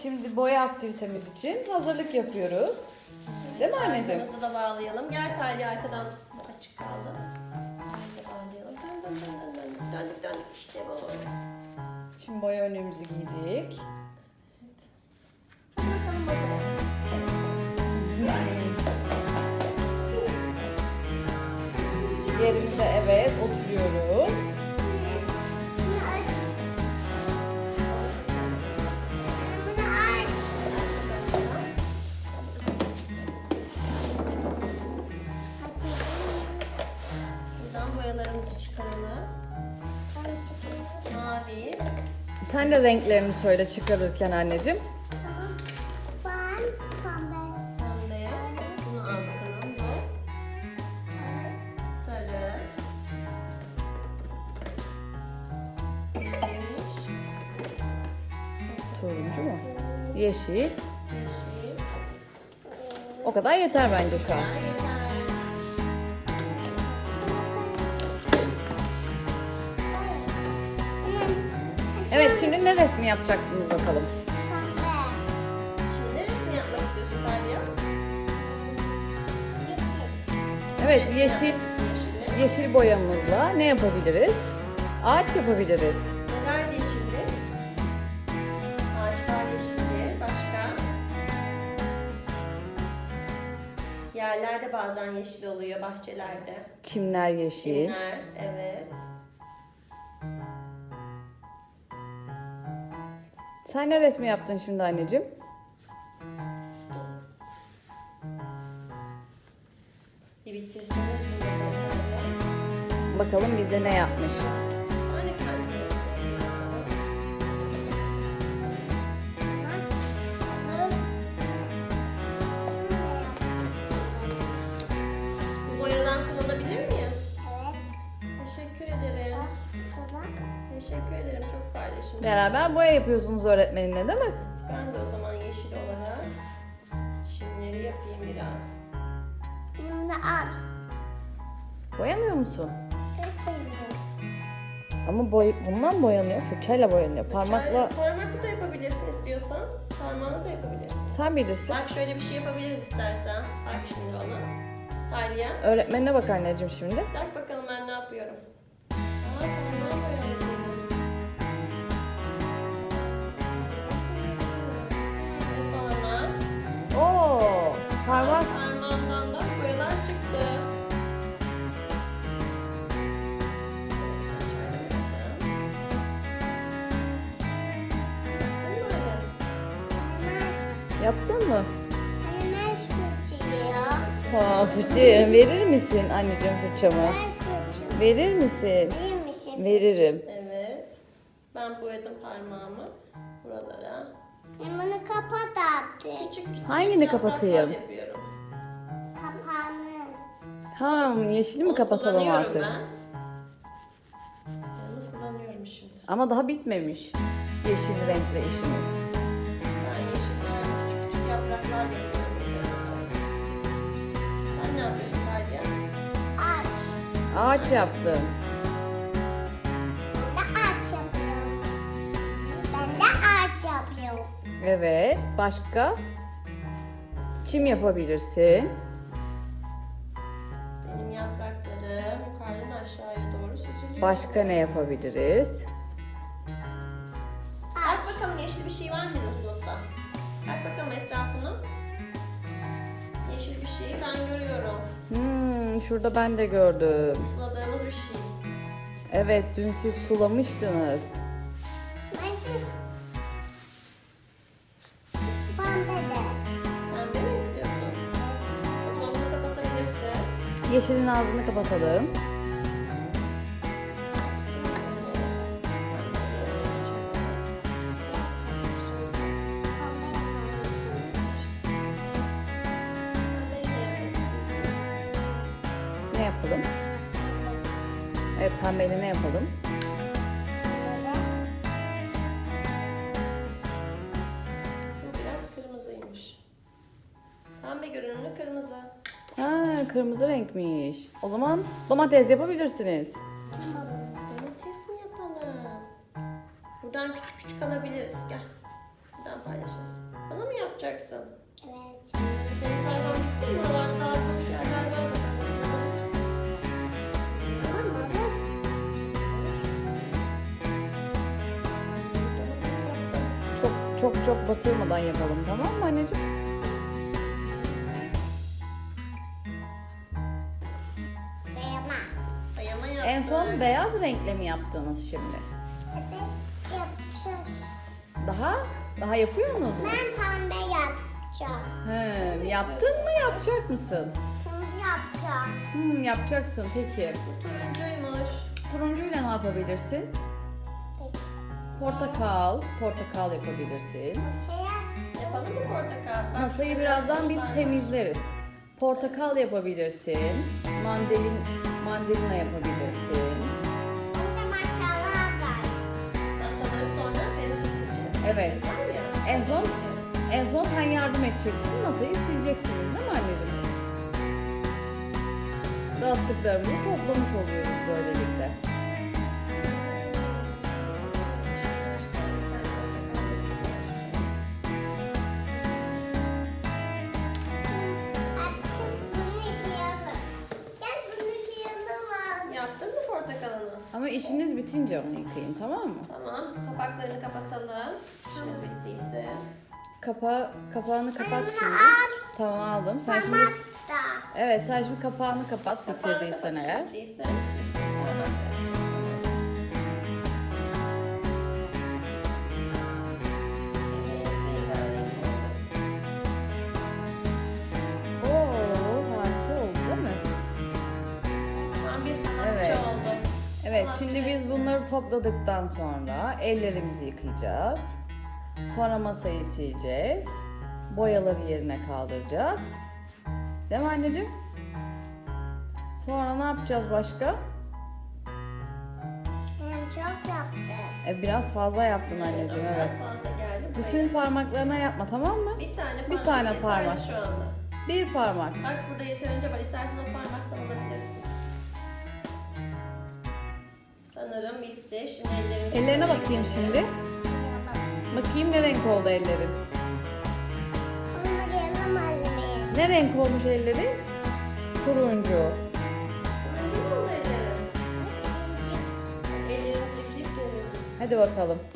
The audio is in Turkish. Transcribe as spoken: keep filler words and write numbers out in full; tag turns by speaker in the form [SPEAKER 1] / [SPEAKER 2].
[SPEAKER 1] şimdi boya aktivitemiz için hazırlık yapıyoruz. Değil mi anneciğim?
[SPEAKER 2] Arkamızı da bağlayalım. Gel Talya, arkadan açık kaldı. Şöyle bağlayalım. Dön dön dön dön dön. Döndük döndük işte bu.
[SPEAKER 1] Şimdi boya önlüğümüzü giydik.
[SPEAKER 2] Hadi bakalım masaya.
[SPEAKER 1] Yerimize evet oturuyoruz.
[SPEAKER 2] Buradan boyalarımızı çıkaralım. Mavi.
[SPEAKER 1] Sen de renklerini söyle çıkarırken anneciğim.
[SPEAKER 2] Pembe. Bunu al bakalım. Bu. Sarı. Yemiş.
[SPEAKER 1] Turuncu mu? Yeşil.
[SPEAKER 2] Yeşil.
[SPEAKER 1] O kadar yeter bence şu an.
[SPEAKER 2] Yeter.
[SPEAKER 1] Evet, şimdi ne resmi yapacaksınız bakalım.
[SPEAKER 2] Şimdi ne resim yapmak istiyorsun Talya?
[SPEAKER 1] Evet,
[SPEAKER 2] Resim
[SPEAKER 1] yeşil
[SPEAKER 2] yapmak istiyorsun yeşille.
[SPEAKER 1] yeşil boyamızla ne yapabiliriz? Ağaç yapabiliriz.
[SPEAKER 2] Neler yeşildir? Ağaçlar yeşildir. Başka? Yerlerde bazen yeşil oluyor, bahçelerde.
[SPEAKER 1] Çimler yeşil.
[SPEAKER 2] Çimler, evet.
[SPEAKER 1] Sen ne resmi yaptın şimdi anneciğim?
[SPEAKER 2] Bir bitirseniz bunu Talya.
[SPEAKER 1] Bakalım bizde ne yapmış.
[SPEAKER 2] Ben de kendi resmi yapıyorum. Bu boyadan kullanabilir miyim? Teşekkür ederim. Teşekkür ederim. Çok paylaşımcısın.
[SPEAKER 1] Beraber boya yapıyorsunuz öğretmeninle değil mi?
[SPEAKER 2] Ben de o zaman yeşil olarak çimleri yapayım biraz.
[SPEAKER 1] Boyamıyor musun? Ama boy bundan boyanıyor. Fırçayla boyanıyor. Parmakla
[SPEAKER 2] Parmakla... Parmakla da yapabilirsin istiyorsan. Parmağınla da yapabilirsin.
[SPEAKER 1] sen bilirsin.
[SPEAKER 2] Bak şöyle bir şey yapabiliriz istersen. Bak şimdi bana. Talya.
[SPEAKER 1] Öğretmenine bak anneciğim şimdi.
[SPEAKER 2] Bak bakalım ben ne yapıyorum. Aa, parmağım boyanıyor. Ve sonra
[SPEAKER 1] Oo, parmak.
[SPEAKER 2] parmağımdan da boyalar çıktı.
[SPEAKER 1] Yaptın mı? Aa, fırça verir misin anneciğim fırçamı? Verir misin? Veririm.
[SPEAKER 2] Evet. Ben boyadım parmağımı buralara.
[SPEAKER 3] Bunu kapat artık.
[SPEAKER 2] Küçük küçük
[SPEAKER 1] Hangini
[SPEAKER 2] yapraklar
[SPEAKER 1] kapatayım?
[SPEAKER 2] yapıyorum.
[SPEAKER 3] Kapağını.
[SPEAKER 1] Ha, yeşili mi
[SPEAKER 2] Onu
[SPEAKER 1] kapatalım
[SPEAKER 2] kullanıyorum
[SPEAKER 1] artık?
[SPEAKER 2] ben. Onu kullanıyorum şimdi.
[SPEAKER 1] Ama daha bitmemiş yeşil renkli işimiz.
[SPEAKER 2] Ben yeşiller, küçük küçük yapraklar yapıyorum. Sen ne yapıyorsun Talya?
[SPEAKER 3] Aç.
[SPEAKER 1] Ağaç yaptım.
[SPEAKER 3] Ben de aç yapıyorum. Ben de aç yapıyorum.
[SPEAKER 1] Evet. Başka? Çim yapabilirsin.
[SPEAKER 2] Benim yapraklarım yukarıdan aşağıya doğru süzülüyor.
[SPEAKER 1] Başka ne yapabiliriz?
[SPEAKER 2] Bak bakalım yeşil bir şey var mı bizim sınıfta? Bak bakalım etrafına. Yeşil bir şey ben görüyorum.
[SPEAKER 1] Hmm, şurada ben de gördüm.
[SPEAKER 2] Suladığımız bir şey.
[SPEAKER 1] Evet, dün siz sulamıştınız.
[SPEAKER 3] Bence pembe de.
[SPEAKER 2] Pembe mi istiyorsun? O zaman bunu kapatabilirsin.
[SPEAKER 1] Yeşilin ağzını kapatalım. Ne yapalım? Evet, pembeyle ne yapalım?
[SPEAKER 2] Bu biraz kırmızıymış. Pembe görünümlü kırmızı.
[SPEAKER 1] Ha, kırmızı renkmiş. O zaman domates yapabilirsiniz.
[SPEAKER 2] Domates mi yapalım? Buradan küçük küçük alabiliriz. Gel. Buradan paylaşırız. yapacaksın?
[SPEAKER 3] Evet.
[SPEAKER 2] Senin sayfan bitti mi? Buralarda daha boş yerler var. Bakalım, yapabilirsin.
[SPEAKER 3] Tamam mı?
[SPEAKER 2] Domates yaptım.
[SPEAKER 1] Çok çok çok batırmadan yapalım, tamam mı anneciğim?
[SPEAKER 3] Beğenme.
[SPEAKER 2] Ayama yaptık.
[SPEAKER 1] En son beyaz renkle mi yaptınız şimdi?
[SPEAKER 3] Evet. Yapacağız.
[SPEAKER 1] Daha? Daha yapıyor musunuz?
[SPEAKER 3] Ben pembe yapacağım.
[SPEAKER 1] He, yaptın mı, yapacak mısın?
[SPEAKER 3] Şimdi yapacağım.
[SPEAKER 1] Hmm, yapacaksın peki.
[SPEAKER 2] Bu turuncuymuş.
[SPEAKER 1] Turuncuyla ne yapabilirsin?
[SPEAKER 3] Peki.
[SPEAKER 1] Portakal, portakal yapabilirsin.
[SPEAKER 3] Şey yap.
[SPEAKER 2] Yapalım mı portakal? Bak,
[SPEAKER 1] Masayı birazdan biz
[SPEAKER 2] taşlar var.
[SPEAKER 1] temizleriz. Portakal yapabilirsin. Mandalin, mandalina yapabilirsin.
[SPEAKER 3] Burada maşallah var.
[SPEAKER 2] Masaları sonra bezle sileceğiz.
[SPEAKER 1] Evet.
[SPEAKER 2] Var ya,
[SPEAKER 1] En son
[SPEAKER 2] sileceğiz.
[SPEAKER 1] en son sen yardım edeceksin. Masayı sileceksiniz değil mi anneciğim? Dağıttıklarımızı toplamış oluyoruz böylelikle.
[SPEAKER 3] Artık bunu yıkayalım. Gel bunu yıkayalım.
[SPEAKER 2] Yaptın mı portakalını?
[SPEAKER 1] Ama işiniz bitince onu yıkayın, tamam mı?
[SPEAKER 2] Tamam. Kapaklarını kapatalım. İşimiz bittiyse.
[SPEAKER 1] Kapa kapağını kapat
[SPEAKER 3] Anne,
[SPEAKER 1] şimdi.
[SPEAKER 3] al.
[SPEAKER 1] Tamam, aldım. Sen şimdi
[SPEAKER 3] Tamam da.
[SPEAKER 1] evet, sen şimdi kapağını kapat
[SPEAKER 2] Kapağını
[SPEAKER 1] bitirdiysen
[SPEAKER 2] kapat,
[SPEAKER 1] eğer.
[SPEAKER 2] bittiyse. Tamam. Evet, rengarenk oldu.
[SPEAKER 1] Oo, harika oldu değil mi?
[SPEAKER 2] Tam bir sanatçı
[SPEAKER 1] Evet.
[SPEAKER 2] oldu.
[SPEAKER 1] Evet,
[SPEAKER 2] Sanatçı
[SPEAKER 1] şimdi biz
[SPEAKER 2] resmi.
[SPEAKER 1] bunları topladıktan sonra ellerimizi yıkayacağız. Sonra masayı sileceğiz. Boyaları yerine kaldıracağız. Değil mi anneciğim? Sonra ne yapacağız başka?
[SPEAKER 3] Ben çok yaptım.
[SPEAKER 1] E, biraz fazla yaptın anneciğim,
[SPEAKER 2] Biraz
[SPEAKER 1] evet.
[SPEAKER 2] fazla geldi buraya.
[SPEAKER 1] Bütün parmaklarına yapma, tamam mı?
[SPEAKER 2] bir tane parmak
[SPEAKER 1] bir tane
[SPEAKER 2] yeterli
[SPEAKER 1] parmak.
[SPEAKER 2] şu anda.
[SPEAKER 1] Bir parmak.
[SPEAKER 2] Bak burada yeterince var. İstersen o parmaktan alabilirsin. Sanırım bitti. Şimdi ellerimizi...
[SPEAKER 1] Ellerine bakayım şimdi. Bakayım ne renk oldu ellerin.
[SPEAKER 3] Onu yıkayalım anne.
[SPEAKER 1] Ne renk olmuş ellerin? Turuncu.
[SPEAKER 2] Turuncu mu oldu ellerim? Ellerimizi yıkayıp gelelim.
[SPEAKER 1] Hadi bakalım.